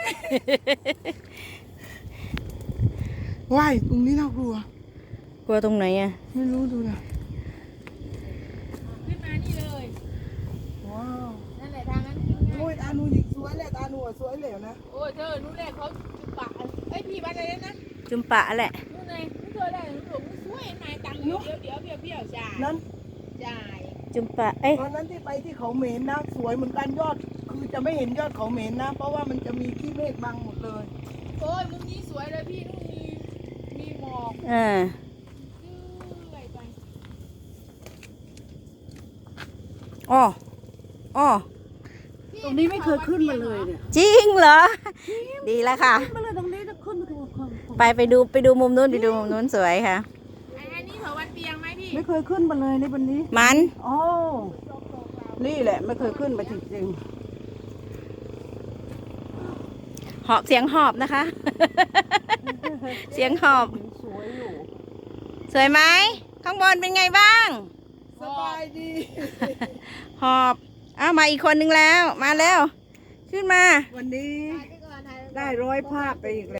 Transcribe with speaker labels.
Speaker 1: ว่ายตรงนี้น่ากลัว
Speaker 2: กลัวตรงไหนอ่ะ
Speaker 1: ไม่รู้ดูนะ
Speaker 3: ขึ้นมานี่เลย
Speaker 1: ว้าว
Speaker 3: นั่นแหละทางนั้นขึ้นง่าย
Speaker 1: โอ้ยตาหนูหญิงสวยแหละตาหนูสวยเหลวนะ
Speaker 3: โอ้ยเธอนู่นแหละเขาจุดปะเอ้ยพี่บ้านอะไรนะ
Speaker 2: จุมปะแหละ
Speaker 3: นู่นไงนู่นเธอได้หนูหลงสวยนายตังค์เดี๋ยวเบี้ยวจ่าย
Speaker 1: นั้น
Speaker 3: จ่าย
Speaker 2: จุมปะเอ้ย
Speaker 1: ตอนนั้นที่ไปที่เขาเหม็นนะสวยเหมือนกันยอดคือจะไม่เห็นยอดเขาเหม็นนะ เพราะว่ามันจะมีขี้เมฆบังหมดเลย
Speaker 3: โอ้ยมุมนี้สวยเลยพี่นู่นมีหมอก
Speaker 2: อ่า
Speaker 3: เลื่อยไป
Speaker 2: อ๋ออ๋อ
Speaker 1: ตรงนี้ไม่เคยขึ้นมาเลยเนี่ย
Speaker 2: จริงเหรอ ดีแล้วค่ะ
Speaker 1: ขึ้นมาเลยตรงนี้จะขึ้นมาตัวคน
Speaker 2: ไปดูมุมนู้นไปดูมุมนู้นสวยค่ะ
Speaker 3: อันนี้เถาวันเปียงไหมพี่
Speaker 1: ไม่เคยขึ้นมาเลยในวันนี้
Speaker 2: มัน
Speaker 1: โอ้นี่แหละไม่เคยขึ้นมาจริง
Speaker 2: หอบเสียงหอบนะคะ เสียงหอบ
Speaker 1: ๆสวยอยู่
Speaker 2: สวยไหมข้างบนเป็นไงบ้าง
Speaker 1: สบายดี
Speaker 2: หอบอ้าวมาอีกคนนึงแล้วมาแล้ว ขึ้นมา
Speaker 1: วันนี้
Speaker 3: ถ่ายไปก่อนถ่ายไปก่อน
Speaker 1: ได้100 ภาพไปอีกแล้ว